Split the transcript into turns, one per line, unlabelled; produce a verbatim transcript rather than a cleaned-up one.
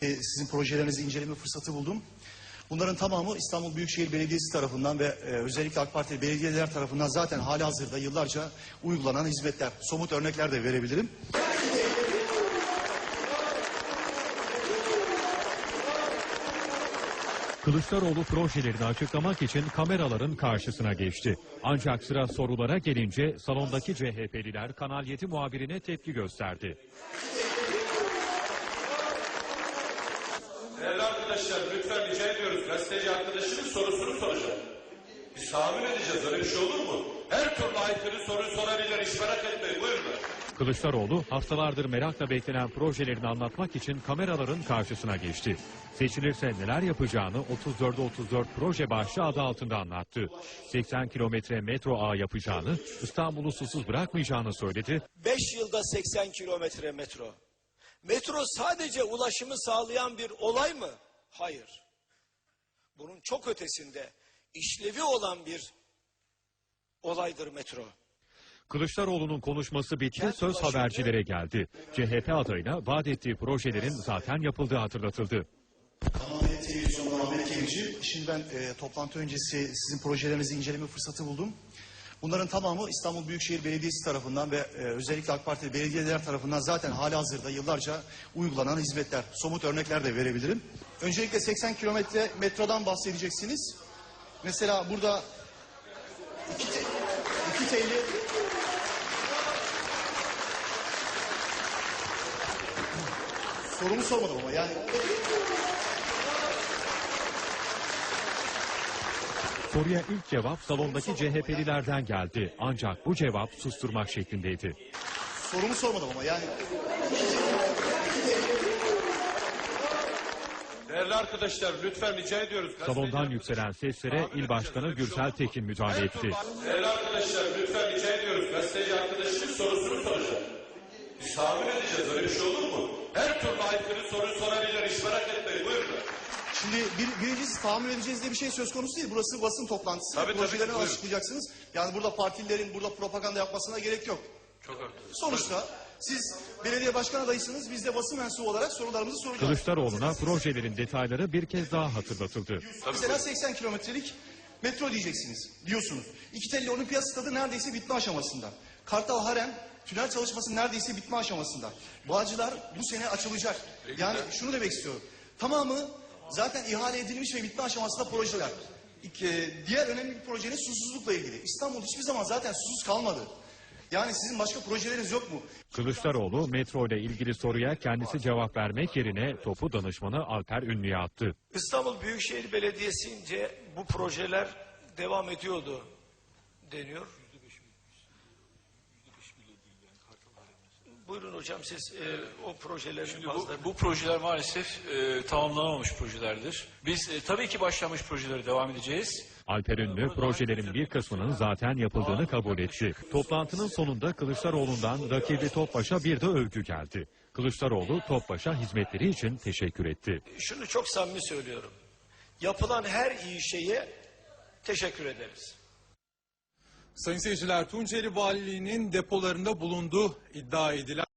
Sizin projelerinizi inceleme fırsatı buldum. Bunların tamamı İstanbul Büyükşehir Belediyesi tarafından ve e, özellikle AK Parti belediyeler tarafından zaten halihazırda yıllarca uygulanan hizmetler. Somut örnekler de verebilirim.
Kılıçdaroğlu projelerini açıklamak için kameraların karşısına geçti. Ancak sıra sorulara gelince salondaki C H P'liler Kanal yedi muhabirine tepki gösterdi.
Değerli arkadaşlar, lütfen rica ediyoruz. Gazeteci arkadaşının sorusunu soracak. Biz tahammül edeceğiz. Öyle bir şey olur mu? Her türlü aykırı soruyu sorabilir. Hiç merak etmeyin. Buyurun.
Kılıçdaroğlu haftalardır merakla beklenen projelerini anlatmak için kameraların karşısına geçti. Seçilirse neler yapacağını otuz dörde otuz dört proje başlığı adı altında anlattı. seksen kilometre metro ağı yapacağını, İstanbul'u susuz bırakmayacağını söyledi.
beş yılda seksen kilometre metro. Metro sadece ulaşımı sağlayan bir olay mı? Hayır. Bunun çok ötesinde işlevi olan bir olaydır metro.
Kılıçdaroğlu'nun konuşması bitti, söz habercilere geldi. C H P adayına vaat ettiği projelerin zaten yapıldığı hatırlatıldı.
Kanal yedi Televizyon'dan Ahmet Kemici. Şimdi ben e, toplantı öncesi sizin projelerinizi inceleme fırsatı buldum. Bunların tamamı İstanbul Büyükşehir Belediyesi tarafından ve e, özellikle AK Parti belediyeler tarafından zaten halihazırda yıllarca uygulanan hizmetler. Somut örnekler de verebilirim. Öncelikle seksen kilometre metrodan bahsedeceksiniz. Mesela burada iki, te, iki telli sorumu sormadım ama yani.
Soruya ilk cevap salondaki C H P'lilerden geldi. Ancak bu cevap susturmak şeklindeydi.
Sorumu sormadım ama yani.
Değerli arkadaşlar, lütfen rica ediyoruz.
Salondan yükselen seslere İl Başkanı Gürsel Tekin müdahale etti.
Değerli arkadaşlar, lütfen rica ediyoruz. Gazeteci arkadaşının sorusunu soracak. Biz tahammül edeceğiz. Öyle bir şey olur mu? Her türlü aykırı soruyu sorabilir. Hiç merak etmeyin. Buyurun.
Şimdi bir, birincisi tahammül edeceğiz diye bir şey söz konusu değil. Burası basın toplantısı.
Tabii,
Projelerini
tabii,
açıklayacaksınız. Yani burada partililerin burada propaganda yapmasına gerek yok.
Çok haklısınız.
Sonuçta siz belediye başkan adayısınız. Biz de basın mensubu olarak sorularımızı soracağız.
Kılıçdaroğlu'na projelerin detayları bir kez daha hatırlatıldı.
Mesela seksen kilometrelik metro diyeceksiniz. Diyorsunuz. İki telli olimpiyat stadı neredeyse bitme aşamasında. Kartal Harem tünel çalışması neredeyse bitme aşamasında. Bağcılar bu sene açılacak. Yani şunu demek istiyorum. Tamamı zaten ihale edilmiş ve bitme aşamasında projeler. İki, diğer önemli bir projenin susuzlukla ilgili. İstanbul hiçbir zaman zaten susuz kalmadı. Yani sizin başka projeleriniz yok mu?
Kılıçdaroğlu metro ile ilgili soruya kendisi cevap vermek yerine topu danışmanı Alper Ünlü'ye attı.
İstanbul Büyükşehir Belediyesi'nce bu projeler devam ediyordu deniyor. Buyurun hocam siz e, o projelerin
Şimdi bu,
bazılarını...
bu projeler maalesef e, tamamlanamamış projelerdir. Biz e, tabii ki başlamış projelere devam edeceğiz.
Alper Ünlü projelerin bir kısmının zaten yapıldığını kabul etti. Toplantının sonunda Kılıçdaroğlu'ndan rakibi Topbaş'a bir de övgü geldi. Kılıçdaroğlu Topbaş'a hizmetleri için teşekkür etti.
Şunu çok samimi söylüyorum. Yapılan her iyi şeye teşekkür ederiz.
Sayın seyirciler, Tunceli Valiliği'nin depolarında bulunduğu iddia edilen